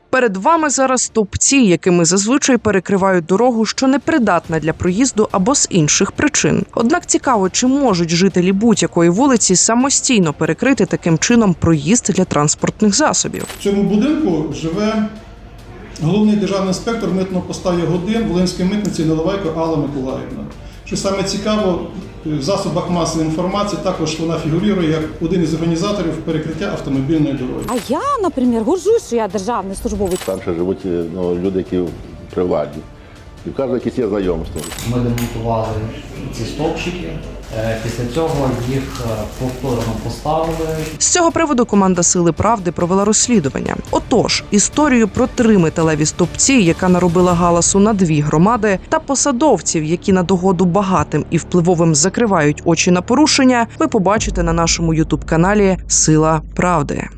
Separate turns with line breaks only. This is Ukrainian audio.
Перед вами зараз стовпці, якими зазвичай перекривають дорогу, що непридатна для проїзду або з інших причин. Однак цікаво, чи можуть жителі будь-якої вулиці самостійно перекрити таким чином проїзд для транспортних засобів.
В цьому будинку живе головний державний інспектор митного поста Ягодин Волинської митниці Наливайко Алла Миколаївна. Що саме цікаво, в засобах масової інформації також вона фігурує як один із організаторів перекриття автомобільної дороги.
А я, наприклад, горжусь, що я державний службовець.
Там ще живуть люди, які при владі. І в кожного якісь є знайомства.
Ми демонтували ці стовпчики. Після цього їх повторно поставили.
З цього приводу команда «Сили правди» провела розслідування. Отож, історію про 3 металеві стовпці, яка наробила галасу на 2 громади, та посадовців, які на догоду багатим і впливовим закривають очі на порушення, ви побачите на нашому ютуб-каналі «Сила правди».